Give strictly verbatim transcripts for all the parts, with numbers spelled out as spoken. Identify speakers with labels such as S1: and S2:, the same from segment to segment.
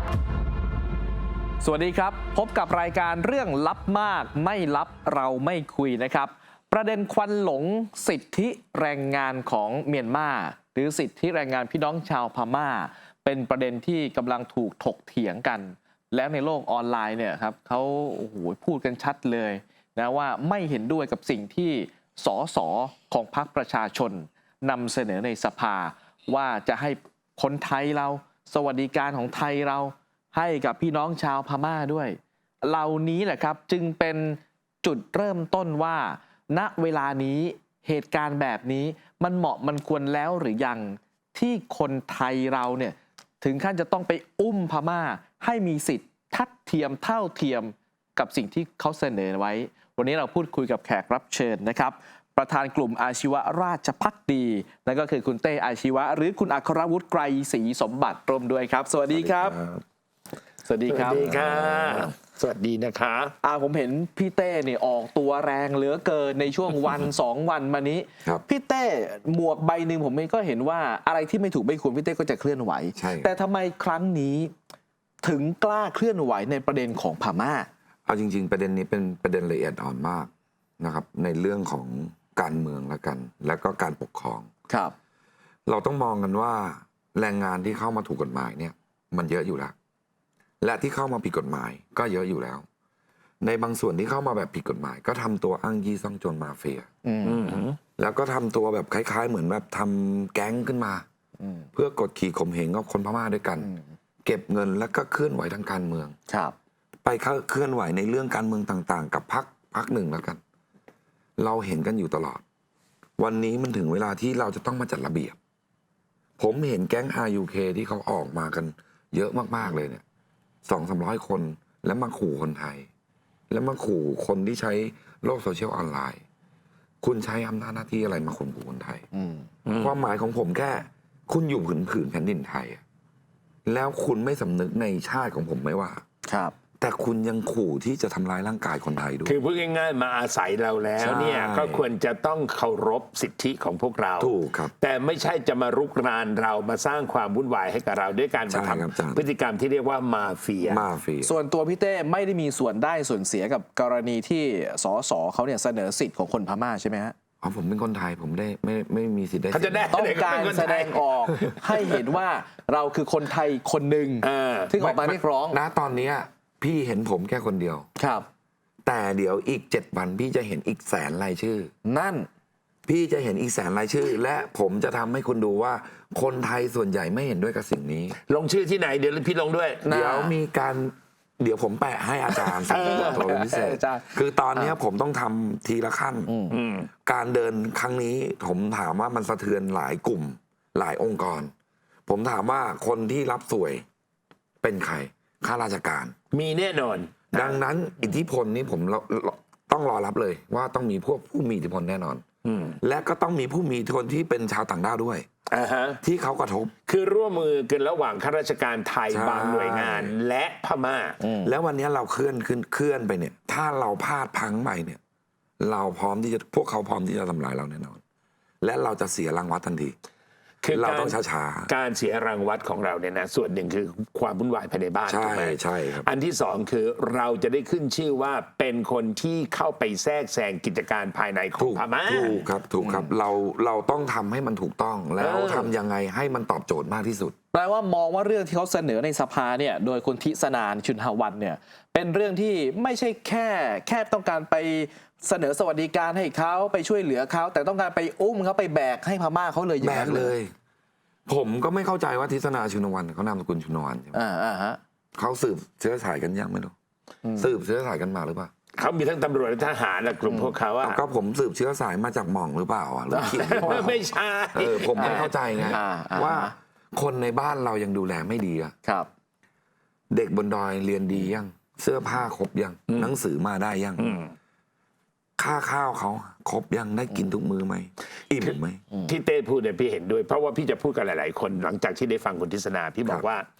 S1: สวัสดีครับพบกับรายการเรื่องลับมากไม่ลับเราไม่คุยนะครับประเด็นควันหลงสิทธิแรงงานของเมียนมาหรือสิทธิแรงงานพี่น้องชาวพม่าเป็นประเด็นที่กำลังถูกถกเถียงกันแล้วในโลกออนไลน์เนี่ยครับเขาโอ้โหพูดกันชัดเลยนะว่าไม่เห็นด้วยกับสิ่งที่สสของพรรคประชาชนนำเสนอในสภาว่าจะให้คนไทยเราสวัสดิการของไทยเราให้กับพี่น้องชาวพม่าด้วยเหล่านี้แหละครับจึงเป็นจุดเริ่มต้นว่าณเวลานี้เหตุการณ์แบบนี้มันเหมาะมันควรแล้วหรือยังที่คนไทยเราเนี่ยถึงขั้นจะต้องไปอุ้มพม่าให้มีสิทธิ์ทัดเทียมเท่าเทียมกับสิ่งที่เขาเสนอไว้วันนี้เราพูดคุยกับแขกรับเชิญนะครับประธานกลุ่มอาชีวะราชภักดีนั่นก็คือคุณเต้อาชีวะหรือคุณอัครวุฒิไกรศรีสมบัติร่วมด้วยครับสวัสดีครับสวัสดีครับ
S2: สวัสดีค่ะสวัสดีนะคะ
S1: อ่าผมเห็นพี่เต้เนี่ยออกตัวแรงเหลือเกินในช่วงวัน สองวันมานี้พี่เต้หมวกใบหนึ่งผมเองก็เห็นว่าอะไรที่ไม่ถูกไม่ควรพี่เต้ก็จะเคลื่อนไหวแต่ทำไมครั้งนี้ถึงกล้าเคลื่อนไหวในประเด็นของพม่า
S3: เอาจริงๆประเด็นนี้เป็นประเด็นละเอียดอ่อนมากนะครับในเรื่องของการเมืองละกัน แล้วก็การปกครอง
S1: ครับ
S3: เราต้องมองกันว่าแรงงานที่เข้ามาถูกกฎหมายเนี่ยมันเยอะอยู่แล้วและที่เข้ามาผิดกฎหมายก็เยอะอยู่แล้วในบางส่วนที่เข้ามาแบบผิดกฎหมาย ก็ทำตัวอ้างยี่ซ่องโจรมาเฟียแล้วก็ทำตัวแบบคล้ายๆเหมือนแบบทำแก๊งขึ้นมาเพื่อกดขี่ข่มเหงกับคนพม่าด้วยกันเก็บเงินแล้วก็เคลื่อนไหวทางการเมือง
S1: ครับ
S3: ไปเคลื่อนไหวในเรื่องการเมืองต่างๆกับพรรคพรรคหนึ่งแล้วกันเราเห็นกันอยู่ตลอดวันนี้มันถึงเวลาที่เราจะต้องมาจัดระเบียบผมเห็นแก๊ง อาร์ ยู เค ที่เขาออกมากันเยอะมากๆเลยเนี่ยสองสามร้อยคนแล้วมาขู่คนไทยแล้วมาขู่คนที่ใช้โลกโซเชียลออนไลน์คุณใช้อำนาจหน้าที่อะไรมาข่มขู่คนไทยความหมายของผมแค่คุณอยู่ผืนผืนแผ่นดินไทยแล้วคุณไม่สำนึกในชาติของผมไหมว่า
S1: ครับ
S3: แต่คุณยังขู่ที่จะทำร้ายร่างกายคนไทยด้วย
S2: คือพูดง่ายๆมาอาศัยเราแล้วเนี่ยก็ควรจะต้องเคารพสิทธิของพวกเรา
S3: ถูกครับ
S2: แต่ไม่ใช่จะมารุกรานเรามาสร้างความวุ่นวายให้กับเราด้วยการมาทำพฤติกรรมที่เรียกว่ามาเฟีย
S3: มาเฟีย
S1: ส่วนตัวพี่เต้ไม่ได้มีส่วนได้ส่วนเสียกับกรณีที่สสเขาเนี่ยเสนอสิทธิ์ของคนพม่าใช่ไหมฮะ
S3: อ๋อผมเป็นคนไทยผมได้ไม่ไม่มีสิทธิ์ได้
S2: เขาจะได้
S1: ต้องการแสดงออกให้เห็นว่าเราคือคนไทยคนหนึ่งที่ออกมาเรียกร้อง
S3: นะตอนนี้พี่เห็นผมแค่คนเดียว
S1: ครับ
S3: แต่เดี๋ยวอีกเจ็ดวันพี่จะเห็นอีกแสนรายชื่อ
S1: นั่น
S3: พี่จะเห็นอีกแสนรายชื่อและผมจะทำให้คุณดูว่าคนไทยส่วนใหญ่ไม่เห็นด้วยกับสิ่งนี้
S2: ลงชื่อที่ไหนเดี๋ยวพี่ลงด้วย
S3: เดี๋ยวมีการเดี๋ยวผมแปะให้อาจารย์สิ่งตัวพิเศษคือตอนนี้ผมต้องทำทีละขั้นการเดินครั้งนี้ผมถามว่ามันสะเทือนหลายกลุ่มหลายองค์กรผมถามว่าคนที่รับสวยเป็นใครข้าราชการ
S2: มีแน่นอน
S3: ดังนั้นอิทธิพลนี้ผมต้องรอรับเลยว่าต้องมีพวกผู้มีอิทธิพลแน่นอนและก็ต้องมีผู้มีอิทธิพลที่เป็นชาวต่างด้าวด้วยที่เขากระทบ
S2: คือร่วมมือกันระหว่างข้าราชการไทยบางหน่วยงานและพม่า
S3: แล้ววันนี้เราเคลื่อนขึ้นเคลื่อนไปเนี่ยถ้าเราพลาดพังไปเนี่ยเราพร้อมที่จะพวกเขาพร้อมที่จะทำลายเราแน่นอนและเราจะเสียรางวัลทันที
S2: คือ
S3: เราต้องช้า
S2: ๆการเสียรางวัลของเราเนี่ยนะส่วนหนึ่งคือความวุ่นวายภายในบ้าน
S3: ใช่ใช่ครับ
S2: อันที่สองคือเราจะได้ขึ้นชื่อว่าเป็นคนที่เข้าไปแทรกแซงกิจการภายในของพม่า
S3: ถูกครับถูกครับเราเราต้องทำให้มันถูกต้องแล้วทำยังไงให้มันตอบโจทย์มากที่สุด
S1: แปลว่ามองว่าเรื่องที่เขาเสนอในสภาเนี่ยโดยคุณทิศนานชุนหวันเนี่ยเป็นเรื่องที่ไม่ใช่แค่แค่ต้องการไปเสนอสวัสดิการให้เขาไปช่วยเหลือเขาแต่ต้องการไปอุ้มเขาไปแบกให้พม่าเขาเลย
S3: แบกเลยผมก็ไม่เข้าใจว่าทิศนาชุนวันเขานามสกุลชุนวันใช่ไหม
S1: อ่าอ่าฮะ
S3: เขาสืบเชื้อสายกันยังไม่รู้สืบเชื้อสายกันมาหรือเปล่า
S2: เขามีทั้งตำรวจและทหารและกลุ่มพวกเขาอะ
S3: ก็ผมสืบเชื้อสายมาจากหม่องหรือเปล่าหรือคิด
S2: ไม่ใช่
S3: เออผมไม่เข้าใจไงว่าคนในบ้านเรายังดูแลไม่ดีอะ
S1: ครับ
S3: เด็กบนดอยเรียนดียังเสื้อผ้าครบยังหนังสือมาได้ยังค่าข้าวเขาครบยังได้กินทุกมื้อไหมอิ่มไหม
S2: ที่เต้พูดเนี่ยพี่เห็นด้วยเพราะว่าพี่จะพูดกับหลายๆคนหลังจากที่ได้ฟังคุณทิศนาพี่บอกว่า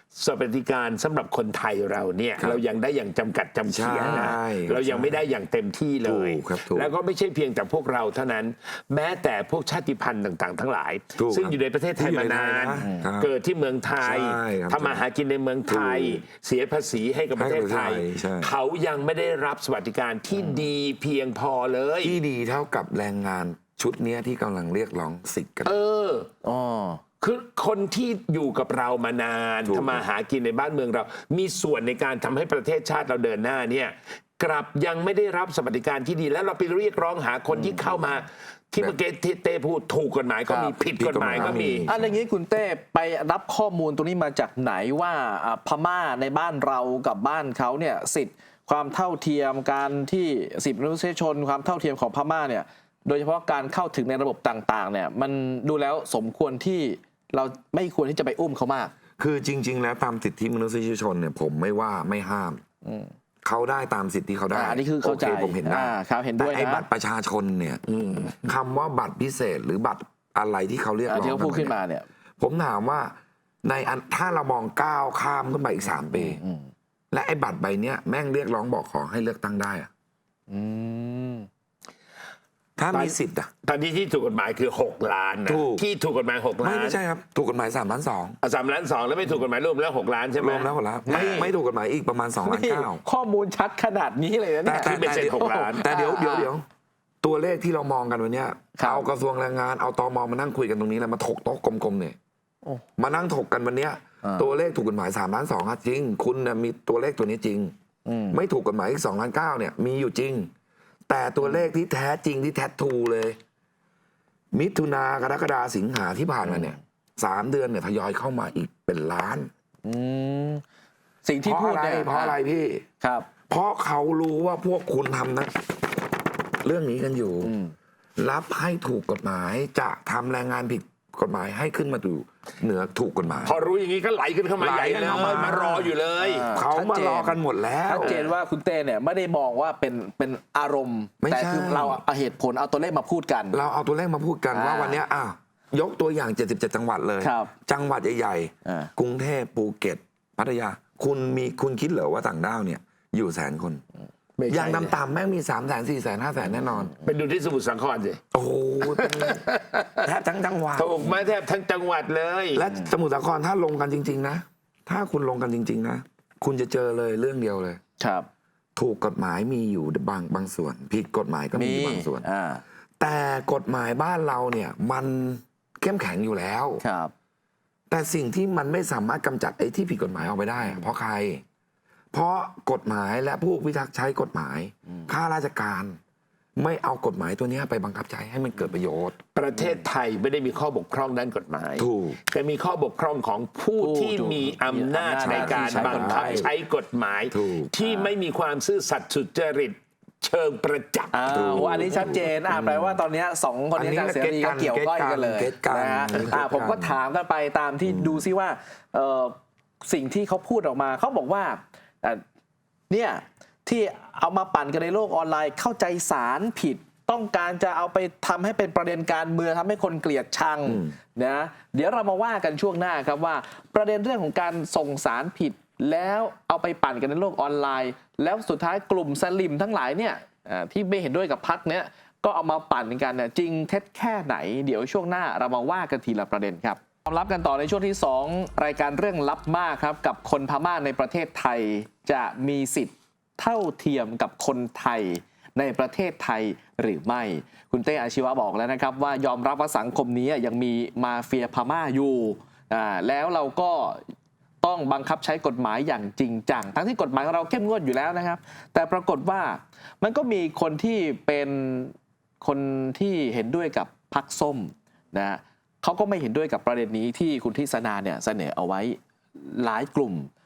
S2: สวัสดิการสำหรับคนไทยเราเนี่ย
S3: ครับ
S2: เรายังได้อย่างจำกัดจำเขียนะ
S3: ใช่
S2: เรายังไม่ได้อย่างเต็มที่เลย
S3: ถูกครับถูก
S2: แล้วก็ไม่ใช่เพียงแต่พวกเราเท่านั้น แม้แต่พวกชาติพันธุ์ต่างๆ ทั้งหลาย
S3: ถูก
S2: ซึ่ง
S3: ครับ
S2: อยู่ในประเทศไทย
S3: ที่อยู่
S2: มา
S3: ใน
S2: นาน
S3: ไทยนะครับ
S2: เกิดที่เมืองไทย
S3: ใช่ครับ
S2: ทำมาหากินในเมืองไทย
S3: ถูก
S2: เสียภาษีให้กับประเทศไทย
S3: ให้กับประเทศไทยใช่
S2: เขายังไม่ได้รับสวัสดิการที่ดีเพียงพอเลย
S3: ที่ดีเท่ากับแรงงานชุดเนี้ยที่กำลังเรียกร้องสิทธิ์กัน
S2: เออ
S1: อ๋อ
S2: คือคนที่อยู่กับเรามานาน
S3: ถูก
S2: ทำมาหากินในบ้านเมืองเรา มีส่วนในการทำให้ประเทศชาติเราเดินหน้าเนี่ยกลับยังไม่ได้รับสวัสดิการที่ดี แล้วเราไปเรียกร้องหาคนที่เข้ามา ที่เมื่อกี้ที่เต้พูดถูกกฎหมายก็มี
S1: ครับ
S2: ผิดกฎหมายก็มี
S1: อันอย่างนี้คุณเต้ไปรับข้อมูลตรงนี้มาจากไหนว่าอ่าพม่าในบ้านเรากับบ้านเขาเนี่ยสิทธิ์ความเท่าเทียมการที่สิทธิมนุษยชน ความเท่าเทียมของพม่าเนี่ยโดยเฉพาะการเข้าถึงในระบบต่างๆเนี่ยมันดูแล้วสมควรที่เราไม่ควรที่จะไปอุ้มเขามาก
S3: คือจริง ๆ แล้วตามสิทธิมนุษยชนเนี่ยผมไม่ว่าไม่ห้ามเขาได้ตามสิทธิเขาได้
S1: อ่าอันนี้คือเข้าใจ
S3: โผมเห็นได้
S1: อ่าครับเห็นด้วย
S3: แต่ไอ้
S1: นะ
S3: บัตรประชาชนเนี่ยคำว่าบัตรพิเศษหรือบัตรอะไรที่เขาเรียกร้
S1: อ่า
S3: อง
S1: ที่เขาพูด
S3: กั
S1: ขึ้น
S3: เย
S1: มาเนี่ย
S3: ผมถามว่าในอันถ้าเรามองก้าวข้ามขึ้นไปอีกสามปี และไอ้บัตรใบเนี้ยแม่งเรียกร้องบอกขอให้เลือกตั้งได้อะ
S1: อืม
S3: ถ้ามีสิทธิ์อะ
S2: ตอนนี้ที่ถูกกฎหมายคือ หก ล้านนะ
S3: ถูก
S2: ที่ถูกกฎหมายหก
S3: ไม่
S2: ล้าน
S3: ไม่ใช่ครับถูกกฎหมายสามล้านสอง
S2: อ่ะสามล้านสองแล้วไม่ถูกกฎหมายรวมแล้วหกล้านใช่ไหม
S3: รวมแล้วหมดแล้วไม่
S2: นี่
S3: ไม่ถูกกฎหมายอีกประมาณสองล้าน
S1: นี่
S3: เก้า
S1: ข้อมูลชัดขนาดนี้เลยนะเนี่ย
S2: ที่เป็นเศษหกล้าน
S3: แต่เดี๋ยว
S1: อ่า
S3: เดี๋ยวเดี๋ยวตัวเลขที่เรามองกันวันเนี้ย
S1: ครับ
S3: เอากระทรวงแรงงานเอาตมมานั่งคุยกันตรงนี้แล้วมาถกโต๊ะกลมๆเนี่ย
S1: โอ้
S3: มานั่งถกกันวันเนี้ย
S1: อ่า
S3: ตัวเลขถูกกฎหมายสามล้านสองจริง คุณน่ะมีตัวเลขตัวนี้จริง
S1: อืม
S3: ไม่ถูกกฎหมายอีกสองล้านเก้าเนี่ยมีอยู่จริง แต่ตัวเลขที่แท้จริงที่แท้ทูเลย มิถุนากรกฎาสิงหาที่ผ่านมาเนี่ยสามเดือนเนี่ยทยอยเข้ามาอีกเป็นล้าน
S1: อืมสิ่งที่
S3: เพ
S1: พู
S3: ราะ
S1: ด
S3: อะไร
S1: เนี่ย
S3: เพราะอะไรพี่
S1: ครับ
S3: เพราะเขารู้ว่าพวกคุณทำนะ เรื่องนี้กันอยู่
S1: อืม
S3: รับให้ถูกกฎหมายจะทำแรงงานผิดกฎหมายให้ขึ้นมาอยู่เหนือถูกกฎหมาย
S2: พอรู้อย่างนี้ก็ไหลขึ้นเข้ามา
S3: ไหล
S2: ใหญ่เลย
S3: เข้ามาม
S2: ารออยู่เลย
S1: อ่า
S3: เขามารอกันหมดแล้ว
S1: ชัดเจนว่าคุณเต้เนี่ยไม่ได้มองว่าเป็นเป็นอารมณ์
S3: ไม่ใช่
S1: แต่คือเราเอาเหตุผลเอาตัวเลขมาพูดกัน
S3: เราเอาตัวเลขมาพูดกัน
S1: อ่า
S3: ว่าวันเนี้ยอ้าวยกตัวอย่างเจ็ดสิบเจ็ดจังหวัดเลย
S1: ครับ
S3: จังหวัดใหญ่
S1: อ่า
S3: ๆกรุงเทพภูเก็ต พัทยา คุณมีคุณคิดเหรอว่าต่างด้าวเนี่ย อยู่แสนคน
S2: ไม่ใช่
S3: อย่างต่ำๆแม่งมีสามแสนสี่แสนห้าแสนแน่นอน
S2: ไปดูที่สมุทรสาครสิ
S3: โอ้โหเป็นแทบทั้งจังหวัด
S2: ถูกมาแทบทั้งจังหวัดเลย
S3: และสมุทรสาครถ้าลงกันจริง ๆ นะ ถ้าคุณลงกันจริง ๆ นะ คุณจะเจอเลยเรื่องเดียวเลย
S1: ครับ
S3: ถูกกฎหมายมีอยู่บางบางส่วน ผิดกฎหมายก็มีอยู่บางส่วน
S1: อ่า
S3: แต่กฎหมายบ้านเราเนี่ย มันเข้มแข็งอยู่แล้ว
S1: ครับ
S3: แต่สิ่งที่มันไม่สามารถกำจัดไอ้ที่ผิดกฎหมายออกไปได้อะเพราะใคร เพราะกฎหมายและผู้พิทักษ์ใช้กฎหมายข้าราชการ ไม่เอากฎหมายตัวเนี้ยไปบังคับใช้ให้มันเกิดประโยชน์
S2: ประเทศไทยไม่ได้มีข้อบกพร่องด้านกฎหมาย
S3: ถูก
S2: แต่มีข้อบกพร่องของผู้
S1: ผู้
S2: ที่มีอำนาจในการบังคับใช้กฎหมาย
S3: ถูก
S2: ที่ไม่มีความซื่อสัตย์สุจริตเชิงประจักษ์
S1: อ่าโอ้อันนี้ชัดเจนอ่าแปลว่าตอนเนี้ยสองคนนี้
S3: อันนี้
S1: อาจารย์เสรีก็
S3: เก็
S1: เกี่
S3: ต
S1: ยว
S3: กัน
S1: ก้อยกันเลย
S3: เก็ตกัน
S1: นะฮะ
S3: เก็ตกัน
S1: อ่าผมก็ถามกันไปตามที่ดูซิว่าเอ่อสิ่งที่เขาพูดออกมาเขาบอกว่าเอ่อเนี่ยที่เอามาปั่นกันในโลกออนไลน์เข้าใจสารผิด ต้องการจะเอาไปทำให้เป็นประเด็นการเมืองทำให้คนเกลียดชังนะเดี๋ยวเรามาว่ากันช่วงหน้าครับว่าประเด็นเรื่องของการส่งสารผิด แล้วเอาไปปั่นกันในโลกออนไลน์ แล้วสุดท้ายกลุ่มสลิมทั้งหลายเนี่ยอ่าที่ไม่เห็นด้วยกับพรรคเนี้ยก็เอามาปั่นกันเนี่ยจริงเท็จแค่ไหน เดี๋ยวช่วงหน้าเรามาว่ากันทีละประเด็นครับความลับกันต่อในช่วงที่สองรายการเรื่องลับมากครับกับคนพม่าในประเทศไทยจะมีสิทธิ์เท่าเทียมกับคนไทยในประเทศไทยหรือไม่ คุณเต้อาชีวะบอกแล้วนะครับว่ายอมรับว่าสังคมนี้ยังมีมาเฟียพม่าอยู่อ่าแล้วเราก็ต้องบังคับใช้กฎหมายอย่างจริงจังทั้งที่กฎหมายของเราเข้มงวดอยู่แล้วนะครับ แต่ปรากฏว่ามันก็มีคนที่เป็นคนที่เห็นด้วยกับพรรคส้มนะฮะเขาก็ไม่เห็นด้วยกับประเด็นนี้ที่คุณทิศนาเนี่ยเสนอเอาไว้หลายกลุ่ม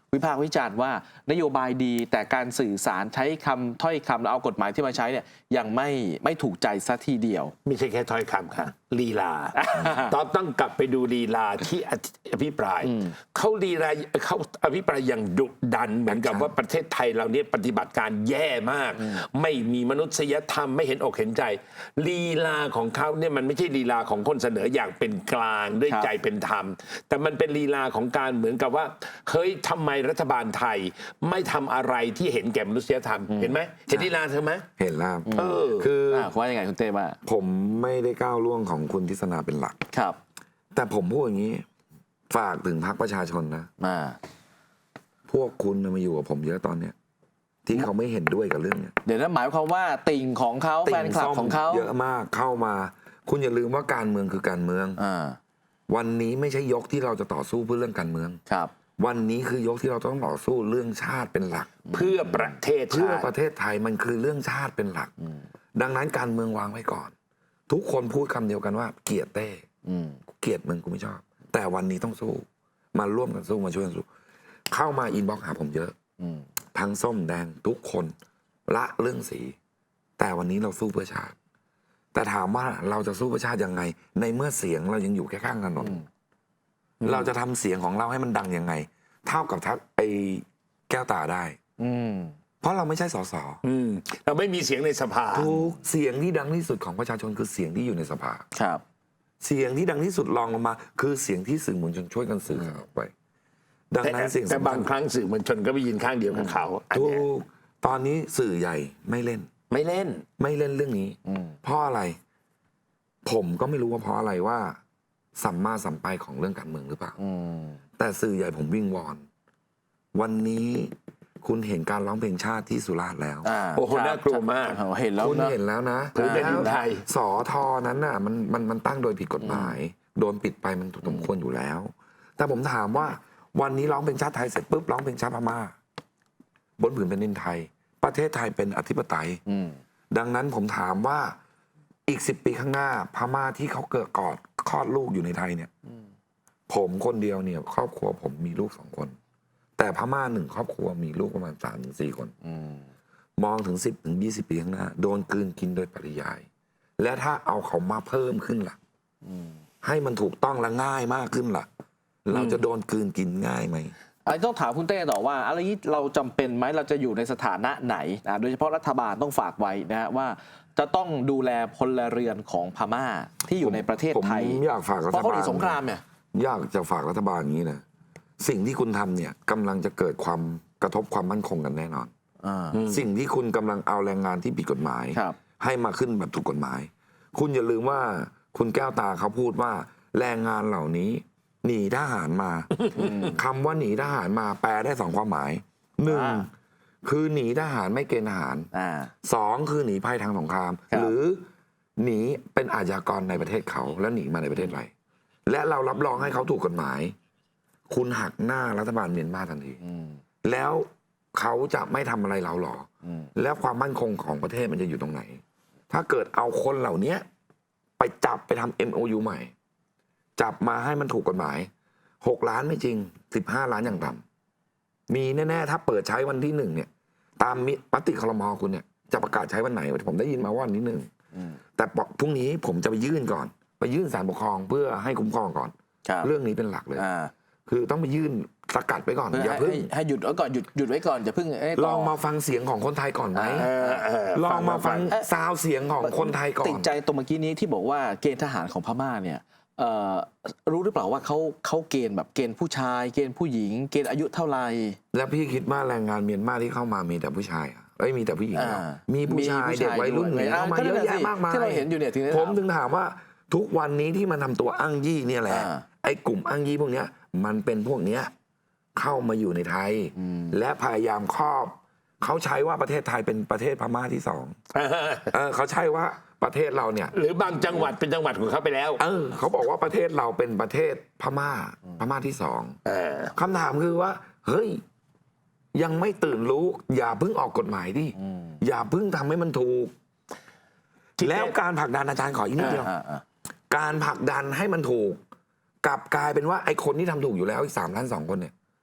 S1: วิพากษ์วิจารณ์ว่านโยบายดีแต่การสื่อสารใช้คำถ้อยคำแล้วเอากฎหมายที่มาใช้เนี่ยยังไม่ไม่ถูกใจซะทีเดียว
S2: ไม่ใช่แค่ถ้อยคำค่ะลีลา ตอนต้องกลับไปดูลีลาที่อภิปรายเขาลีลาเขาอภิปรายอย่างดุดันเหมือนกับว่าประเทศไทยเราเนี่ยปฏิบัติการแย่มาก ไม่มีมนุษยธรรมไม่เห็นอกเห็นใจลีลาของเขาเนี่ยมันไม่ใช่ลีลาของคนเสนออย่างเป็นกลางด้วย
S1: ครับ
S2: ใจเป็นธรรม แต่มันเป็นลีลาของการเหมือนกับว่าเฮ้ยทำไมรัฐบาลไทยไม่ทำอะไรที่เห็นแก่มนุษยธรรมเห็นไหมเห็นลีลาเธอไหม
S3: เห็นแล้ว
S2: เออ
S3: คือ
S1: อ่าว่ายังไงคุณเต้ว่า
S3: ผมไม่ได้ก้าวล่วงของคุณทิศนาเป็นหลัก
S1: ครับ
S3: แต่ผมพูดอย่างนี้ ฝากถึงพรรคประชาชนนะ
S1: อ่า
S3: พวกคุณน่ะมาอยู่กับผมเยอะตอนเนี้ยที่เขาไม่เห็นด้วยกับเรื่องเนี้ย
S1: เดี๋ยวนั้นหมายความว่าติ่งของเขาแฟนคลับของเขา
S3: เยอะมากเข้ามา คุณอย่าลืมว่าการเมืองคือการเมือง
S1: อ่า
S3: วันนี้ไม่ใช่ยกที่เราจะต่อสู้เพื่อเรื่องการเมือง
S1: ครับ
S3: วันนี้คือยกที่เราต้องต่อสู้เรื่องชาติเป็นหลัก
S2: เพื่อประเทศ
S3: เพื่อ
S2: ชาติ
S3: ประเทศไทยมันคือเรื่องชาติเป็นหลัก ดังนั้นการเมืองวางไว้ก่อน ทุกคนพูดคำเดียวกันว่าเกลียดเต้
S1: อืม
S3: เกลียดมึงกูไม่ชอบ แต่วันนี้ต้องสู้มาร่วมกันสู้มาช่วยกันสู้เข้ามาอินบ็อกซ์หาผมเยอะ
S1: อืม
S3: ทั้งส้มแดงทุกคนละเรื่องสี แต่วันนี้เราสู้เพื่อชาติ แต่ถามว่าเราจะสู้เพื่อชาติยังไง ในเมื่อเสียงเรายังอยู่แค่ข้างถนนเราจะทำเสียงของเราให้มันดังยังไง เท่ากับทักไอ้แก้วตาได้
S1: อืม
S3: เพราะเราไม่ใช่สส
S2: อืมเราไม่มีเสียงในสภา
S3: ทุกเสียงที่ดังที่สุดของประชาชนคือเสียงที่อยู่ในสภา
S1: ครับ
S3: เสียงที่ดังที่สุดรองลงมา คือเสียงที่สื่อมวลชนช่วยกันสื่อข่าวออกไป ดัง
S2: แต่
S3: นั้นเสียง
S2: แต่
S3: สำ
S2: บา
S3: คั
S2: ง
S3: ญ
S2: ครั้งสื่อมวลชนก็ไปยืนข้างเดียวกับเขาอัน
S3: ทุ
S2: เนี้ย
S3: กตอนนี้สื่อใหญ่ไม่เล่น
S2: ไม่เล่น
S3: ไม่เล่นเรื่องนี้
S1: อืม
S3: เพราะอะไร ผมก็ไม่รู้ว่าเพราะอะไรว่า สัมมาสัมไปของเรื่องการเมืองหรือเปล่า
S1: อืม
S3: แต่สื่อใหญ่ผมวิ่งวอน วันนี้คุณเห็นการร้องเพลงชาติที่สุราษฎร์แล้ว
S1: อ่า
S2: โอ้โห
S1: ครับ
S2: น่ากลัวมาก
S1: โอ้โหเห็นแล้ว
S3: คุณ
S1: นะ
S3: เห็นแล้วนะ
S2: ผืนแผ่นดินไทย
S3: สอทอนั้นน่ะมันมันมันตั้งโดยผิดกฎหมาย โดนปิดไปมันถูกสมควรอยู่แล้ว แต่ผมถามว่า วันนี้ร้องเพลงชาติไทยเสร็จปุ๊บร้องเพลงชาติพม่า บนผืนแผ่นดินไทย ประเทศไทยเป็นอธิปไตย
S1: อืม
S3: ดังนั้นผมถามว่าอีกสิบปีข้างหน้า พม่าที่เขาเกิดกอดคลอดลูกอยู่ในไทยเนี่ย ผมคนเดียวเนี่ย ครอบครัวผมมีลูกสองคน แต่พม่าหนึ่งครอบครัวมีลูกประมาณสามถึงสี่คน
S1: อืม
S3: มองถึงสิบถึงยี่สิบปีข้างหน้า โดนกลืนกินโดยปริยาย และถ้าเอาเขามาเพิ่มขึ้นล่ะ ให้มันถูกต้องและง่ายมากขึ้นล่ะ เราจะโดนกลืนกินง่ายไหม
S1: อันนี้ต้องถามคุณเต้ต่อว่าอะไรนี้เราจำเป็นไหมเราจะอยู่ในสถานะไหนอ่าโดยเฉพาะรัฐบาลต้องฝากไว้นะฮะว่าจะต้องดูแลพลเรือนของพม่าที่อยู่ในประเทศไทย
S3: ผมอยากฝากรัฐบาล
S1: เพราะเขาหนีสงครามเนี่ย
S3: อยากจะฝากรัฐบาลอย่างนี้นะสิ่งที่คุณทำเนี่ยกำลังจะเกิดความกระทบความมั่นคงกันแน่นอน
S1: อ่า
S3: สิ่งที่คุณกำลังเอาแรงงานที่ผิดกฎหมาย
S1: ครับ
S3: ให้มาขึ้นแบบถูกกฎหมาย คุณอย่าลืมว่าคุณแก้วตาเขาพูดว่าแรงงานเหล่านี้หนีทหารมาคำว่าหนีทหารมาแปลได้สองความหมายหนึ่ง
S1: อ่า
S3: คือหนีทหารไม่เกณฑ์ทหาร
S1: อ่า
S3: สองคือหนีภัยทางสงคราม
S1: ครับ
S3: หรือหนีเป็นอาชญากรในประเทศเขาแล้วหนีมาในประเทศไรและเรารับรองให้เขาถูกกฎหมาย คุณหักหน้ารัฐบาลเมียนมาทันที
S1: อืม
S3: แล้วเขาจะไม่ทำอะไรเราหรอ
S1: อืม
S3: แล้วความมั่นคงของประเทศมันจะอยู่ตรงไหน ถ้าเกิดเอาคนเหล่านี้ไปจับไปทำ เอ็ม โอ ยู ใหม่ จับมาให้มันถูกกฎหมายหกล้านไม่จริงสิบห้าล้านอย่างต่ำมีแน่ๆถ้าเปิดใช้วันที่หนึ่งเนี่ย ตามมิมติครมคุณเนี่ยจะประกาศใช้วันไหนผมได้ยินมาว่าวันที่หนึ่ง
S1: อืม
S3: แต่พรุ่งนี้ผมจะไปยื่นก่อน ไปยื่นศาลปกครองเพื่อให้คุ้มครองก่อน
S1: ครับ
S3: เรื่องนี้เป็นหลักเลย
S1: อ่า
S3: คือต้องไปยื่นสกัดไปก่อน
S1: เพื่อ
S3: อย่า
S1: ให้
S3: เพิ่ง
S1: ให้ให้หยุดไว้ก่อนหยุดหยุดไว้ก่อนอย่าเพิ่งเอ้ย
S3: ล
S1: ต่
S3: องมาฟังเสียงของคนไทยก่อนไหม
S2: เออเออ
S3: ลองมาฟัง
S1: เอ๊ะ
S3: ซาวเสียงของคนไทยก่อ
S1: ติ
S3: น
S1: ดใจตรงเมื่อกี้นี้ที่บอกว่าเกณฑ์ทหารของพม่าเนี่ยเอ่อรู้หรือเปล่าว่าเขาเขาเกณฑ์แบบเกณฑ์ผู้ชาย เกณฑ์ผู้หญิง เกณฑ์อายุเท่าไหร่
S3: แล้วพี่คิดว่าแรงงานเมียนมาที่เข้ามามีแต่ผู้ชายอ่ะเอ้ยมีแต่ผู้หญิงเหรอ
S1: อ่า
S3: มีผู้ชายเด็กวัยรุ่น
S1: ด้
S3: เนี่ยเข้ามาเยอะแยะมากมาย
S1: ที่เราเห็นอยู่เนี่ยถึงได้
S3: ผม
S1: ถาม
S3: ถึงถามว่าทุกวันนี้ที่มันทำตัวอ้างยี่เนี่ยแหละ
S1: อ่า
S3: ไอ้กลุ่มอ้างยี่พวกเนี้ยมันเป็นพวกเนี้ยเข้ามาอยู่ในไทย
S1: อืม
S3: และพยายามครอบเขาใช้ว่าประเทศไทยเป็นประเทศพม่าที่สองเออเขาใช้ว่าประเทศเราเนี่ย
S2: หรือบางจังหวัดเป็นจังหวัดของเขาไปแล้ว
S3: เออเขาบอกว่าประเทศเราเป็นประเทศพม่าพม่าที่สอง
S2: เออ
S3: คำถามคือว่า เฮ้ย ยังไม่ตื่นรู้ อย่าเพิ่งออกกฎหมายดิอย่าเพิ่งทำให้มันถูก
S2: ที่
S3: แล้วการผลักดันอาจารย์ขออีกนิดเดียว
S1: อ่าอ่า
S3: การผลักดันให้มันถูก กลับกลายเป็นว่าไอ้คนที่ทำถูกอยู่แล้วอีกสามล้านสองคนเนี่ย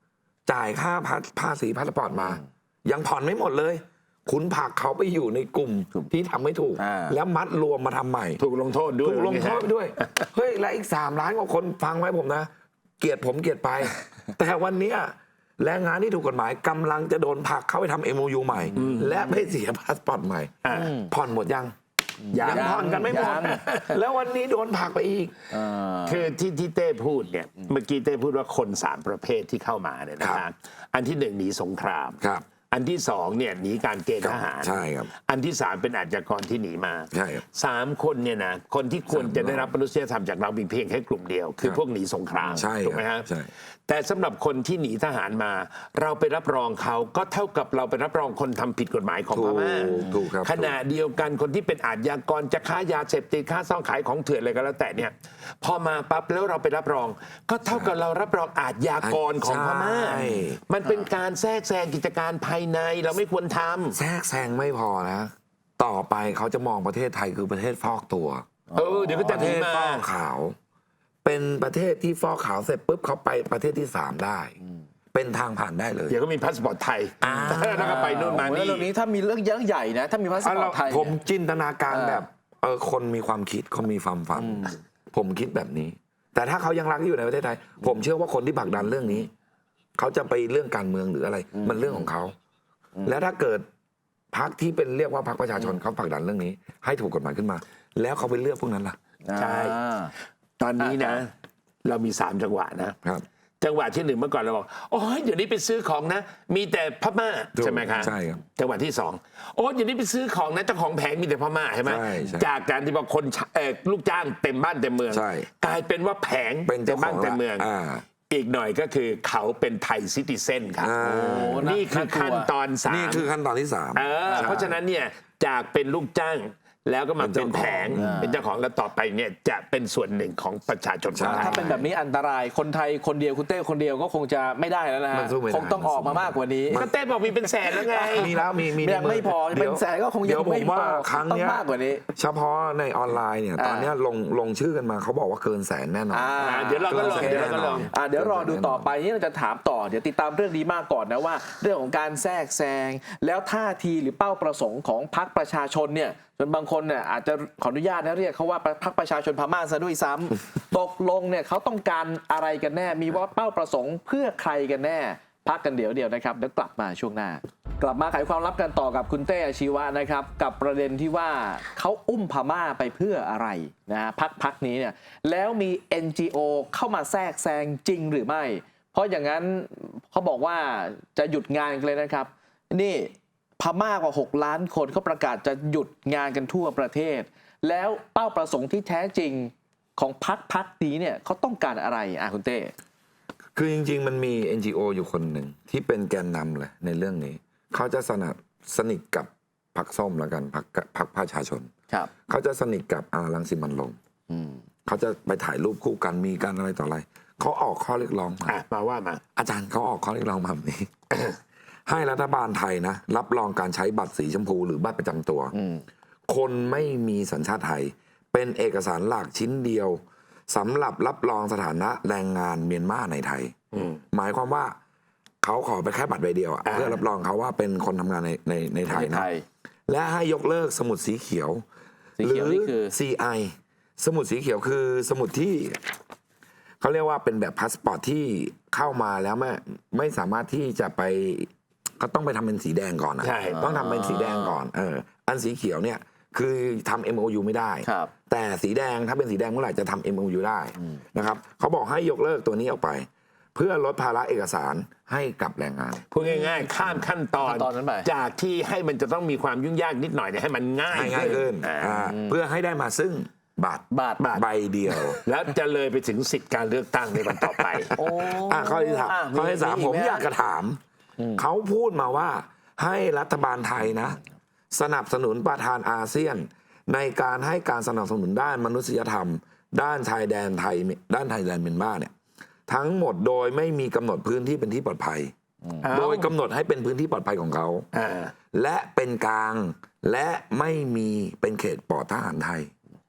S3: จ่ายค่าภาภาษีพาสปอร์ตมา ยังผ่อนไม่หมดเลย คุณผลักเขาไปอยู่ในกลุ่มที่ทำไม่ถูก
S1: อ่า
S3: แล้วมัดรวมมาทำใหม่
S2: ถูกลงโทษด้วย
S3: ถูกลงโทษไปด้วย เฮ้ย และอีกสามล้านกว่าคนฟังไว้ผมนะ เกลียดผมเกลียดไป แต่วันเนี้ยแรงงานที่ถูกกฎหมายกำลังจะโดนผลักเข้าไปทำ เอ็ม โอ ยู ใหม่ และไปเสียพาสปอร์ตใหม่
S2: อ่า
S3: ผ่อนหมดยัง
S2: ยัง
S3: ยังผ่อนกันไม่หมด
S1: ยัง
S3: แล้ววันนี้โดนผลักไปอีก
S2: คือที่ที่เต้พูดเนี่ยเมื่อกี้เต้พูดว่าคนสามประเภทที่เข้ามาเนี่ยนะ
S3: ครั
S2: ฮะ
S3: บ
S2: อันที่หนึ่งหนีสงคราม
S3: ครับ
S2: อันที่สองเนี่ยหนีการเกณฑ์ทหาร
S3: ใช่ครับ
S2: อันที่สามเป็นอาชญากรที่หนีมา
S3: ใช่ครับ
S2: สามคนเนี่ยนะคนที่ควรจะได้รับมนุษยธรรมจากเรามีเพียงแค่กลุ่มเดียว คือ
S3: ครับ
S2: พวกหนีสงคราม
S3: ใช่
S2: ถูกไหม
S3: ครั
S2: ฮะ
S3: บใช่
S2: แต่สำหรับคนที่หนีทหารมา เราไปรับรองเขาก็เท่ากับเราไปรับรองคนทำผิดกฎหมายของพม่า
S3: ถูกถูกครับ
S2: ขณะเดียวกันคนที่เป็นอาชญากรจะค้ายาเสพติดค้าซ่องขายของเถื่อนอะไรก็แล้วแต่เนี่ยพอมาปั๊บแล้วเราไปรับรอง ก็เท่ากับเรารับรองอาชญากรของพม่า
S3: ใช่
S2: มันเป็นการแทรกแซงกิจการภายในเราไม่ควรทำ
S3: แทรกแซงไม่พอนะ ต่อไปเขาจะมองประเทศไทยคือประเทศฟอกตัว
S2: เออเดี๋ยวก็
S3: ป
S2: จะ
S3: ระ
S2: ห
S3: เท
S2: นี
S3: ศ
S2: มา
S3: ฟอกขาว เป็นประเทศที่ฟอกขาวเสร็จปุ๊บเขาไปประเทศที่สามได้ เป็นทางผ่านได้เลย
S2: เดี๋ยวก็มีพาสปอร์ตไทยแล้วก็ไปนู่นมา
S1: โอ้โหแล้ว
S2: นี่
S1: เรื่องนี้ถ้ามีเรื่องเยอะใหญ่นะ ถ้ามีพาสปอร์ตไทย
S3: ผม
S1: เนี่ย
S3: จินตนาการ
S1: เออ
S3: แบบเออคนมีความคิดคนมีความฝัน ผมคิดแบบนี้ แต่ถ้าเขายังรักอยู่ในประเทศไทย ผมเชื่อว่าคนที่ผลักดันเรื่องนี้ เขาจะไปเรื่องการเมืองหรืออะไร มันเรื่องของเขา แล้วถ้าเกิดพรรคที่เป็นเรียกว่าพรรคประชาชนเขาผลักดันเรื่องนี้ ให้ถูกกฎหมายขึ้นมา แล้วเขาไปเลือกพวกนั้นล่ะ
S2: ใช่ ตอนนี้นะ เรามีสามจังหวะนะ
S3: ครับ
S2: จังหวะที่หนึ่งเมื่อก่อนเราบอกโอ้ยเดี๋ยวนี้ไปซื้อของนะ มีแต่พม่า
S3: ถูก
S2: ใช่ไหมครับ
S3: ใช่ครับ
S2: จังหวะที่สองโอ้ยเดี๋ยวนี้ไปซื้อของนะเจ้าของแผงมีแต่พม่าใช่ไหม
S3: ใช่ใช่
S2: จากการที่บอกคนเอ่อลูกจ้างเต็มบ้านเต็มเมือง
S3: ใช่
S2: กลายเป็นว่าแผง
S3: เป็น
S2: เต็
S3: เจ้าม ข
S2: บ้า
S3: อน ง
S2: เต็มเมือง
S3: อ่า
S2: อีกหน่อยก็คือเขาเป็นไทยซิติเซนครับ
S3: อ่า
S1: โอ้น่า
S2: นี่คือ
S1: น่ากลัว
S2: ขั้นตอนสาม
S3: นี่คือขั้นตอนที่สาม
S2: เออเพราะฉะนั้นเนี่ยจากเป็นลูกจ้างแล้วก็มา
S3: เป็
S2: เป็น
S3: น
S2: แผ
S3: เจ้าของ
S2: งเป็นเจ้าของแล้วต่อไปเนี่ยจะเป็นส่วนหนึ่งของประชาชนคนไท
S1: ถ้าย เป็นแบบนี้อันตรายคนไทยคนเดียวคุณเต้คนเดียวก็คงจะไม่ได้แล้วนะ
S3: มั
S1: ฮะ
S3: นสู้ไม่ได้
S1: คงต้องออกมามากกว่านี้
S2: ก็เต้บอกมีเป็นแสนแล้วไง
S3: มีแล้วมีมี
S1: ยังไม่พอ
S3: ดี๋ยว
S1: เป็นแสนก็คงยัง
S3: เดี๋ยวผ
S1: ไม่
S3: ม
S1: พอ
S3: ว่าครั้ง
S1: ต้อง
S3: เนี้ย
S1: มากกว่านี้
S3: เฉพาะในออนไลน์เนี่ย
S1: อ่า
S3: ตอนเนี้ยลงลงชื่อกันมาเขาบอกว่าเกินแสนแน่นอน
S1: อ่า
S2: อ่าเดี๋ยวเราก็ลองเดี๋ยวเราก็ลอง
S1: อ่าเดี๋ยวรอดูต่อไปนี่เราจะถามต่อเดี๋ยวติดตามเรื่องนี้มากก่อนนะว่า เรื่องของการแทรกแซงแล้วท่าทีหรือเป้าประสงค์ของพรรคประชาชนเนี่ยจนบางคนเนี่ยอาจจะขออนุญาตนะเรียกเขาว่าพรรคประชาชนพม่าซะด้วยซ้ำ ตกลงเนี่ยเขาต้องการอะไรกันแน่ มีว่าเป้าประสงค์เพื่อใครกันแน่ พักกันเดี๋ยวเดียวนะครับเดี๋ยวกลับมาช่วงหน้า กลับมาไขความลับกันต่อกับคุณเต้อาชีวะนะครับกับประเด็นที่ว่าเขาอุ้มพม่าไปเพื่ออะไรนะฮะพักพักนี้เนี่ยแล้วมี เอ็น จี โอ เข้ามาแทรกแซงจริงหรือไม่ เพราะอย่างนั้นเขาบอกว่าจะหยุดงานกันเลยนะครับนี่พม่ากว่าหกล้านคนเขาประกาศจะหยุดงานกันทั่วประเทศ แล้วเป้าประสงค์ที่แท้จริงของพักพักนี้เนี่ยเขาต้องการอะไรอ่ะคุณเต้
S3: คือจริง ๆ มันมี เอ็น จี โอ อยู่คนหนึ่งที่เป็นแกนนำเลยในเรื่องนี้ เขาจะสนับสนิทกับพรรคส้มแล้วกันพรรคพรรคประชาชน
S1: ครับ
S3: เขาจะสนิทกับอารังสิมันต์โรม
S1: อืม
S3: เขาจะไปถ่ายรูปคู่กันมีการอะไรต่ออะไรเขาออกข้อเรียกร้องมา
S2: อ่ะมาว่ามา
S3: อาจารย์เขาออกข้อเรียกร้องมาแบบนี้ ให้รัฐบาลไทยนะรับรองการใช้บัตรสีชมพูหรือบัตรประจำตัว
S1: อืม
S3: คนไม่มีสัญชาติไทย เป็นเอกสารหลักชิ้นเดียวสำหรับรับรองสถานะแรงงานเมียนมาในไทย
S2: อืม
S3: หมายความว่าเขาขอไปแค่บัตรใบเดียวอะ
S2: อ่า
S3: เพื่อรับรองเขาว่าเป็นคนทำงานในในในไทย
S1: ใน
S3: นะ
S1: ไทย
S3: และให้ยกเลิกสมุดสีเขียว
S1: สีเขียวนี่คือ
S3: ซี ไอ สมุดสีเขียวคือสมุดที่เขาเรียกว่าเป็นแบบพาสปอร์ตที่เข้ามาแล้วไม่ไม่สามารถที่จะไปก็ต้องไปทำเป็นสีแดงก่อนนะ
S2: ใช่
S3: ต้องทำเป็นสีแดงก่อนเอออันสีเขียวเนี่ยคือทำ เอ็ม โอ ยู ไม่ได้
S1: ครับ
S3: แต่สีแดงถ้าเป็นสีแดงเมื่อไหร่จะทำ เอ็ม โอ ยู ได้นะครับเขาบอกให้ยกเลิกตัวนี้ออกไป เพื่อลดภาระเอกสารให้กับแรงงาน
S2: พูดง่ายๆ ข้ามขั้นตอน
S1: ขั้นตอนนั้นไป
S2: จากที่ให้มันจะต้องมีความยุ่งยากนิดหน่อยเนี่ยให้มันง่าย
S3: ให้ง่ายขึ้น
S2: อ่า
S3: อ่าเพื่อให้ได้มาซึ่งบัตร
S1: บัตร
S3: ใบเดียว
S2: แล้วจะเลยไปถึงสิทธิการเลือกตั้งในวันต่อไป
S1: โอ้
S3: อ่ะข้อที่สาม
S1: ะ
S3: ข้อที่สามผม
S1: ไห
S3: อยากจะถาม เขาพูดมาว่าให้รัฐบาลไทยนะ สนับสนุนประธานอาเซียน ในการให้การสนับสนุนด้านมนุษยธรรม ด้านชายแดนไทยด้านไทยแดนเมียนมาเนี่ยทั้งหมดโดยไม่มีกำหนดพื้นที่เป็นที่ปลอดภัย
S2: เอ้า
S3: โดยกำหนดให้เป็นพื้นที่ปลอดภัยของเขา
S2: อ่า
S3: และเป็นกลางและไม่มีเป็นเขตปลอดทหารไทย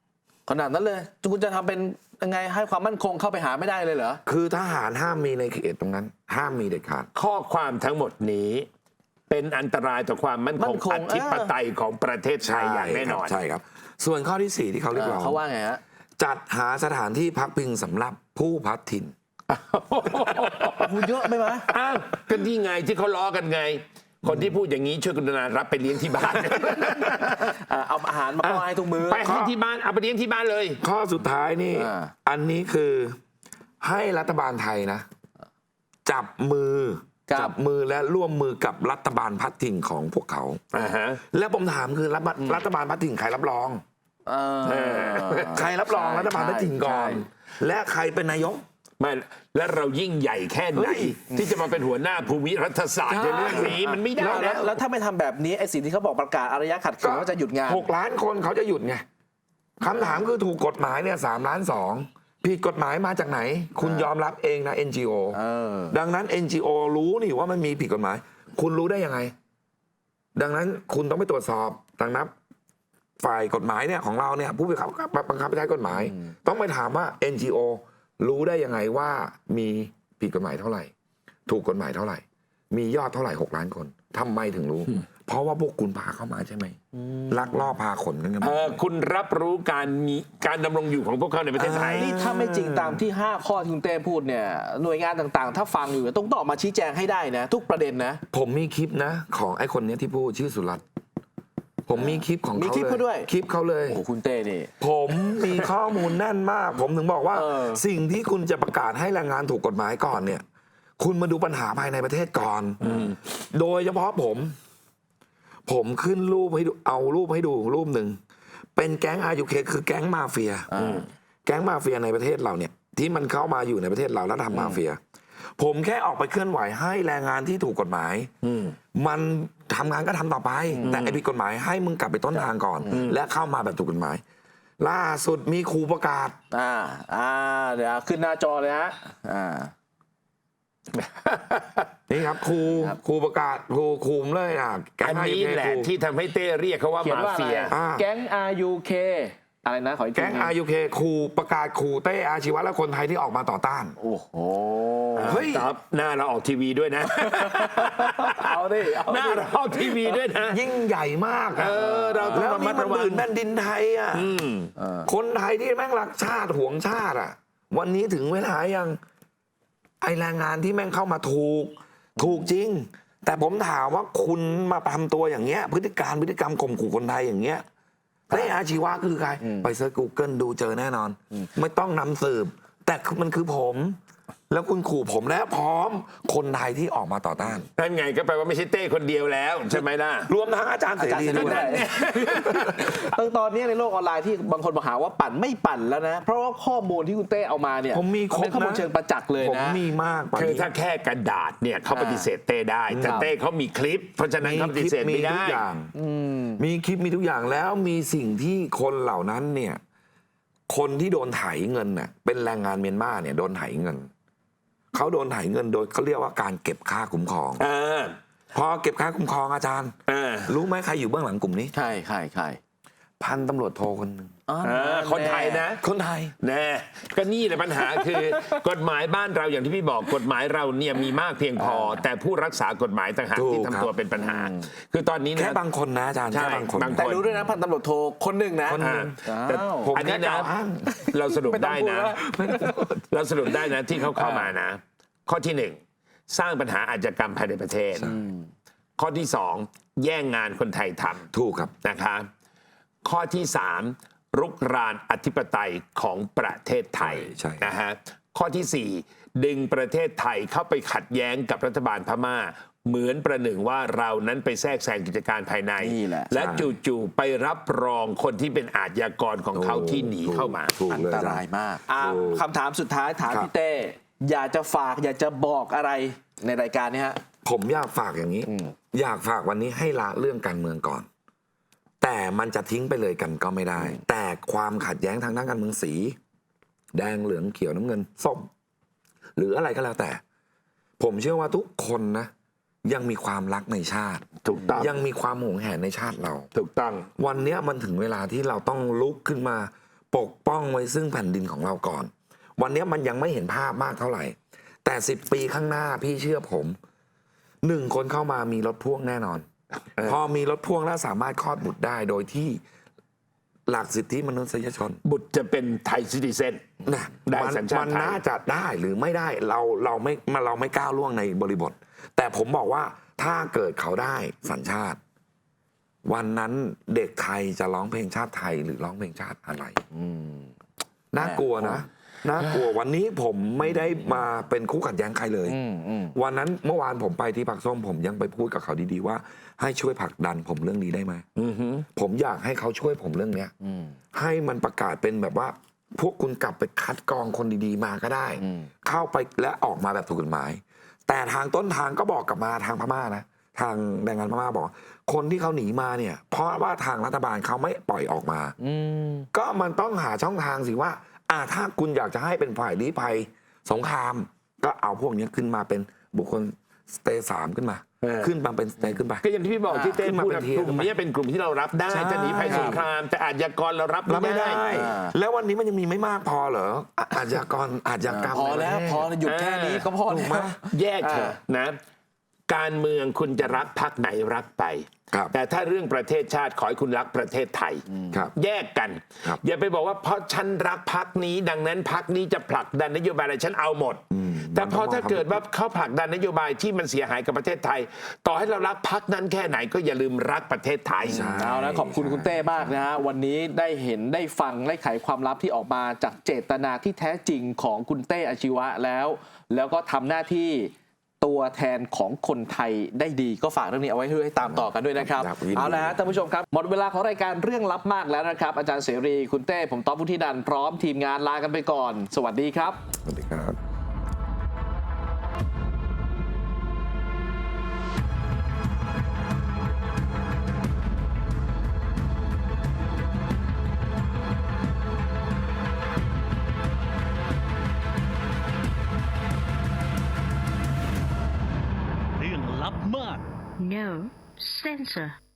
S1: ขนาดนั้นเลยคุณจะทำเป็นยังไงให้ความมั่นคงเข้าไปหาไม่ได้เลยเหรอ
S3: คือทหารห้ามมีในเขตตรงนั้น ห้ามมีเด็ดขาด
S2: ข้อความทั้งหมดนี้ เป็นอันตรายต่อความมั่น
S1: มั่
S2: คง
S1: นคง
S2: อธิปไตยของประเทศไทยอย่างแน่นอน
S3: ใช่ครับ ส่วนข้อที่สี่ที่เขาเรียกร้อง
S1: เขาว่าไงฮะ
S3: จัดหาสถานที่พักพิงสำหรับผู้พัดถิ่น
S1: คุณเยอะไหมวะ
S2: อ้าวก็นี่ไงที่เขาล้อกันไง คนที่พูดอย่างนี้ช่วยกรุณารับไปเลี้ยงที่บ้าน
S1: อ่าเอาอาหารมาป้อนให้ทุกมื้อ
S2: ไปให้ที่บ้านเอาไปเลี้ยงที่บ้านเลย
S3: ข้อสุดท้ายนี่
S1: อ่า
S3: อันนี้คือให้รัฐบาลไทยนะ จับมือ
S1: กับ
S3: จับมือและร่วมมือกับรัฐบาลพัดถิ่นของพวกเขา
S2: อ่าฮะ
S3: แล้วผมถามคือรัฐบาลรัฐบาลพัดถิ่นใครรับรอง
S1: เออ
S3: ใครรับรองรัฐบาลพัดถิ่นก่อน
S1: ใช่
S3: และใครเป็นนายก
S2: ไม่และเรายิ่งใหญ่แค่ไหน
S3: เฮ้ย
S2: ที่จะมาเป็นหัวหน้าภูมิรัฐศาสตร์
S1: ใช่
S2: ในเรื่องนี้มันไม่ได้
S1: แล้ว
S2: นะ
S1: แล้วถ้าไม่ทำแบบนี้ไอ้สิ่งที่เขาบอกประกาศอารยะขัดขืนว่าจะหยุดงาน
S3: หกล้านคนเขาจะหยุดไงคำถามคือถูกกฎหมายเนี่ยสามล้านสองผิดกฎหมายมาจากไหน คุณยอมรับเองนะ เอ็น จี โอ
S1: เออ
S3: ดังนั้น เอ็น จี โอ รู้นี่ว่ามันมีผิดกฎหมาย คุณรู้ได้ยังไง ดังนั้นคุณต้องไปตรวจสอบดังนั้นฝ่ายกฎหมายเนี่ยของเราเนี่ยผู้บังคับบังคับใช้กฎหมาย ต้องไปถามว่า เอ็น จี โอ รู้ได้ยังไงว่ามีผิดกฎหมายเท่าไหร่ ถูกกฎหมายเท่าไหร่ มียอดเท่าไหร่หกล้านคนทำไมถึงรู้ เพราะว่าพวกคุณพาเข้ามาใช่ไหมลักลอบพาขนกันกัน
S2: เอ
S3: มา
S2: อคุณรับรู้การมีการดำรงอยู่ของพวกเขาในประเทศไทย
S1: นี่ถ้าไม่จริงตามที่ ห้า ข้อที่คุณเต้พูดเนี่ยหน่วยงานต่างๆ ถ้าฟังอยู่ต้องต้องออกมาชี้แจงให้ได้นะ ทุกประเด็นนะ
S3: ผมมีคลิปนะ ของไอ้คนเนี้ยที่พูดชื่อสุรัตน์ผมมีคลิปของ
S1: มี
S3: เขา
S1: คลิป
S3: เล
S1: เขาด้วย
S3: คลิปเขาเลย
S1: โอ้โหคุณเต้นี่
S3: ผมมีข้อมูลแน่นมาก ผมถึงบอกว่า
S1: เออ
S3: สิ่งที่คุณจะประกาศให้แรงงานถูกกฎหมายก่อนเนี่ย คุณมาดูปัญหาภายในประเทศก่อนโดยเฉพาะผม ผมขึ้นรูปให้ดูเอารูปให้ดูรูปหนึ่งเป็นแก๊งอายุเคคือแก๊งมาเฟียแก๊งมาเฟียในประเทศเราเนี่ย ที่มันเข้ามาอยู่ในประเทศเราแล้วทำมาเฟีย ผมแค่ออกไปเคลื่อนไหวให้แรงงานที่ถูกกฎหมายมันทำงานก็ทำต่อไป แต่ไอ้ผิดกฎหมายให้มึงกลับไปต้นทางก่อน และเข้ามาแบบถูกกฎหมาย ล่าสุดมีครูประกาศ
S1: อ่าอ่าเดี๋ยวขึ้นหน้าจอเลยฮะอ่า
S3: นี่ครับครู
S1: ครับ
S3: ครูประกาศครูคุมเลยอ่ะแก๊
S2: อั
S3: ง
S2: น
S3: ไอ
S2: นี้
S3: เอ
S2: แหละ
S3: ครู
S2: ที่ทำให้เต้เรียกเขาว่า
S1: เขียน
S2: มา
S1: ว่าอะไร
S2: เฟีย
S3: อ่า
S1: แก๊ง อาร์ ยู เค อะไรนะขออีกที
S3: แก๊งอายุเคครูประกาศครูเต้อาชีวะและคนไทยที่ออกมาต่อต้าน
S1: โอ้โห
S3: เฮ้ย
S2: ครับหน้าเราออกทีวีด้วยนะ
S1: เอาดิเอา
S2: หน้า
S1: ดิ
S2: เราออกทีวีด้วยนะ
S3: ยิ่งใหญ่มากอะ
S2: เออเราต้อง
S3: แล้ว
S2: ระมั
S3: นี่
S2: ด
S3: มัน
S2: ระวัง
S3: ตื่นแผ่นดินไทยอ่ะ
S2: อืม
S1: เออ
S3: คนไทยที่แม่งรักชาติหวงชาติอ่ะ วันนี้ถึงเวลายังไอแรงงานที่แม่งเข้ามาถูก ถูกจริง แต่ผมถามว่าคุณมาทำตัวอย่างเงี้ย พฤติการพฤติกรรมข่มขู่คนไทยอย่างเงี้ยเต้อาชีวะคือใคร ไปเซิร์ช Google ดูเจอแน่นอน ไม่ต้องนำสืบ แต่มันคือผม แล้วคุณขู่ผมและพร้อมคนไทยที่ออกมาต่อต้าน
S2: นั่นไงก็แปลว่าไม่ใช่เต้คนเดียวแล้วใช่ไหมล่ะ
S3: รวมทั้งอาจารย์เส
S1: อาจารย์
S3: รี
S1: เสรี
S3: ด้วย
S1: ด้วยตั้งตอนนี้ในโลกออนไลน์ที่บางคนมาหาว่าปั่นไม่ปั่นแล้วนะ เพราะว่าข้อมูลที่คุณเต้เอามาเนี่ย
S3: ผมมีครบ
S1: เป็นข้อมูล
S3: นะ
S1: เชิงประจักษ์เลย
S3: ผม
S1: นะ
S3: มีมากกว่า
S2: คือ
S3: นี้
S2: ถ้าแค่กระดาษเนี่ยเขาปฏิเสธเต้ได้ แต่
S1: ครับ
S2: เต้เขามีคลิป เพราะฉะนั้นเขาปฏิเสธ
S3: มี
S2: ไม่
S3: ทุ
S2: ได้
S3: กอย่างมีคลิปมีทุกอย่างแล้วมีสิ่งที่คนเหล่านั้นเนี่ย คนที่โดนไถเงินน่ะ เป็นแรงงานเมียนมาเนี่ยโดนไถเงินเขาโดนไถเงินโดยเขาเรียกว่าการเก็บค่าคุ้มครอง
S2: เออ
S3: พอเก็บค่าคุ้มครองอาจารย์
S2: เออ
S3: รู้ไหมใครอยู่เบื้องหลังกลุ่มนี้
S1: ใช่ใช่ใช่
S3: พันตำรวจโทคนหนึ่ง
S1: อ๋อ
S2: เออคนไทยนะ
S3: คนไทย
S2: แน่ก็นี่แหละปัญหาคือ กฎหมายบ้านเราอย่างที่พี่บอกกฎหมายเราเนี่ยมีมากเพียงพอ แต่ผู้รักษากฎหมายต่างหาก
S3: ถูก
S2: ที่
S3: ครั
S2: ทำ
S3: บ
S2: ตัวเป็นปัญหา คือตอนนี้
S3: แค่
S2: นะ
S3: บางคนนะอาจารย์
S2: ใช่
S3: แค่บางคน
S2: บาง
S1: แต่รู้ด้วยนะพันตำรวจโทคนหนึ่งนะ
S3: คนหนึ่ง
S1: อ้าว
S2: แต่
S3: ผม
S2: อันนี้
S3: แค่ก
S2: นะ
S3: ล่าวอ้าง
S2: เราสรุป
S1: ไม่ต้อง
S2: ได้
S1: พูด
S2: นะ
S1: ว่า
S2: เราสรุปได้นะที่เขาเข้ามานะ ข้อที่หนึ่งสร้างปัญหาอาชญากรรมภายในประเทศ ข้อที่สองแย่งงานคนไทยท
S3: ถูกครับ
S2: ำนะคะข้อที่สามรุกรานอธิปไตยของประเทศไทย
S3: ใช่ใช่
S2: นะฮะข้อที่สี่ดึงประเทศไทยเข้าไปขัดแย้งกับรัฐบาลพม่า เหมือนประหนึ่งว่าเรานั้นไปแทรกแซงกิจการภายใน
S1: นี่แหละ
S2: และจู่ๆไปรับรองคนที่เป็นอาชญากรของเขาที่หนีเข้ามา
S3: ถูก
S1: อัน
S3: เลย
S1: ต
S3: อาจาร
S1: ราย
S3: ย์
S1: มากอ่า
S3: ถูก
S1: คำถามสุดท้ายถาม
S3: ครับ
S1: พี่เต้อยากจะฝากอยากจะบอกอะไรในรายการนี้ฮะ
S3: ผมอยากฝากอย่างนี้ อยากฝากวันนี้ให้ละเรื่องการเมืองก่อน แต่มันจะทิ้งไปเลยกันก็ไม่ได้ แต่ความขัดแย้งทางด้านการเมืองสี แดงเหลืองเขียวน้ำเงินส้ม หรืออะไรก็แล้วแต่ ผมเชื่อว่าทุกคนนะ ยังมีความรักในชาติ
S2: ถูกต้อง
S3: ยังมีความหวงแหนในชาติเรา
S2: ถูกต้อง
S3: วันเนี้ยมันถึงเวลาที่เราต้องลุกขึ้นมาปกป้องไว้ซึ่งแผ่นดินของเราก่อน วันนี้มันยังไม่เห็นภาพมากเท่าไหร่ แต่สิบปีข้างหน้าพี่เชื่อผมหนึ่งคนเข้ามามีรถพ่วงแน่นอน พอมีรถพ่วงแล้วสามารถคลอดบุตรได้โดยที่หลักสิทธิมนุษยชน
S2: บุตรจะเป็นไทยซิติเซน
S3: นะ
S2: ได้
S3: มัน
S2: สัญชาติ
S3: มัน
S2: ไทย
S3: น่าจะได้หรือไม่ได้เราเราไม่มาเราไม่ก้าวล่วงในบริบท แต่ผมบอกว่าถ้าเกิดเขาได้สัญชาติ วันนั้นเด็กไทยจะร้องเพลงชาติไทยหรือร้องเพลงชาติอะไร
S1: อืม
S3: น่ากลัวนะน่ากลัววันนี้ผมไม่ได้มาเป็นคู่ขัดแย้งใครเลย
S1: อืมอืม
S3: วันนั้นเมื่อวานผมไปที่ผักส้มผมยังไปพูดกับเขาดีๆว่า ให้ช่วยผลักดันผมเรื่องนี้ได้ไหม
S2: อือหือ
S3: ผมอยากให้เขาช่วยผมเรื่องเนี้ย
S1: อืม
S3: ให้มันประกาศเป็นแบบว่า พวกคุณกลับไปคัดกรองคนดีๆมาก็ได้
S1: อืม
S3: เข้าไปและออกมาแบบถูกกฎหมาย แต่ทางต้นทางก็บอกกลับมาทางพม่านะทางแรงงานพม่าบอก คนที่เขาหนีมาเนี่ย เพราะว่าทางรัฐบาลเขาไม่ปล่อยออกมา
S1: อืม
S3: ก็มันต้องหาช่องทางสิว่าอ่าถ้าคุณอยากจะให้เป็นฝ่ายลี้ภัยสงคราม ก็เอาพวกนี้ขึ้นมาเป็นบุคคลสเตย์สามขึ้นมา
S2: เออ
S3: ขึ้นมาเป็นสเตย์ขึ้นไป
S2: ก็อย่างที่พี่บอกที่เต้
S3: ขึ้นมา
S2: พูด
S3: เป็น
S2: นะ
S3: เทียร์
S2: กลุ่มนี้เป็นกลุ่มที่เรารับได้
S3: ใช่
S2: จะหนีภัยสงคราม แต่อาชญากรเรารับ
S3: รับ
S2: ไม่
S3: ไม่
S2: ได้
S3: ได้
S1: อ่า
S3: แล้ววันนี้มันยังมีไม่มากพอเหรออ่ะอาชญากรอาชญากรรม
S1: พอแล้ว
S3: ในประเทศ
S1: พอหยุดแค่นี้ก็พอ
S3: ถู
S1: แล้
S3: กไหม
S1: ว
S2: แยกเถอะนะ การเมืองคุณจะรักพรรคไหนรักไป
S3: ครับ
S2: แต่ถ้าเรื่องประเทศชาติขอให้คุณรักประเทศไทย
S3: ครับ
S2: แยกกัน
S3: ครับ
S2: อย่าไปบอกว่าเพราะฉันรักพักนี้ ดังนั้นพักนี้จะผลักดันนโยบายอะไรฉันเอาหมด แต่พอถ้าเกิดว่าเขาผลักดันนโยบายที่มันเสียหายกับประเทศไทย ต่อให้เรารักพักนั้นแค่ไหนก็อย่าลืมรักประเทศไทย
S3: ใช่
S1: เอานะขอบคุณคุณเต้มากนะฮะวันนี้ได้เห็นได้ฟังได้ไขความลับที่ออกมาจากเจตนาที่แท้จริงของคุณเต้อาชีวะแล้ว แล้วก็ทำหน้าที่ตัวแทนของคนไทยได้ดีก็ฝากเรื่องนี้เอาไว้ให้ตามต่อกันด้วยนะครับ
S3: ครับยินดี
S1: เอาละฮะท่านผู้ชมครับหมดเวลาของรายการเรื่องลับมากแล้วนะครับ อาจารย์เสรีคุณเต้ผมต๊อบวุฒินันท์พร้อมทีมงานลากันไปก่อน สวัสดีครับ
S3: สวัสดีครับ
S4: เรื่องลับมาก
S5: No censor.